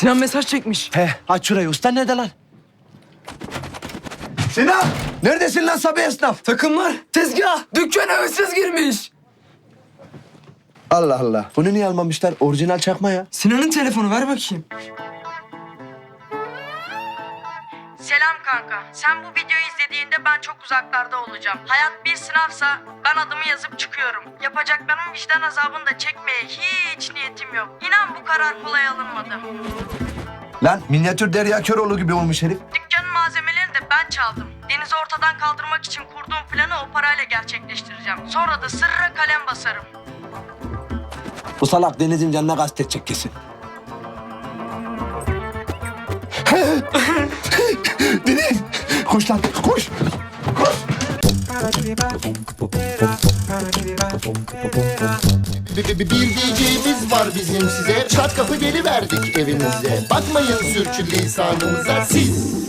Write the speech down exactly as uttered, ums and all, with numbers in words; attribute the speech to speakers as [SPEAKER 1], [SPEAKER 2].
[SPEAKER 1] Sinan mesaj çekmiş.
[SPEAKER 2] He, aç şurayı. Usta nerede lan? Sinan! Neredesin lan Sabi esnaf?
[SPEAKER 1] Takımlar, tezgah, dükkana hırsız girmiş.
[SPEAKER 2] Allah Allah. Bunu niye almamışlar? Orijinal çakma ya.
[SPEAKER 1] Sinan'ın telefonu ver bakayım.
[SPEAKER 3] Selam kanka. Sen bu videoyu izlediğinde ben çok uzaklarda olacağım. Hayat bir sınavsa ben adımı yazıp çıkıyorum. Yapacaklarım vicdan azabını da çekmeye hiç niyetim yok. İnan bu karar kolay alınmadı.
[SPEAKER 2] Lan minyatür Derya Köroğlu gibi olmuş herif.
[SPEAKER 3] Dükkanın malzemelerini de ben çaldım. Deniz'i ortadan kaldırmak için kurduğum planı o parayla gerçekleştireceğim. Sonra da sırra kalem basarım.
[SPEAKER 2] Bu salak Deniz'in canına kastetecek kesin. Deniz! Koş lan, koş! Koş!
[SPEAKER 4] Bir diyeceğimiz var bizim size. Çat kapı geliverdik evinize. Bakmayın sürçülisanımıza siz.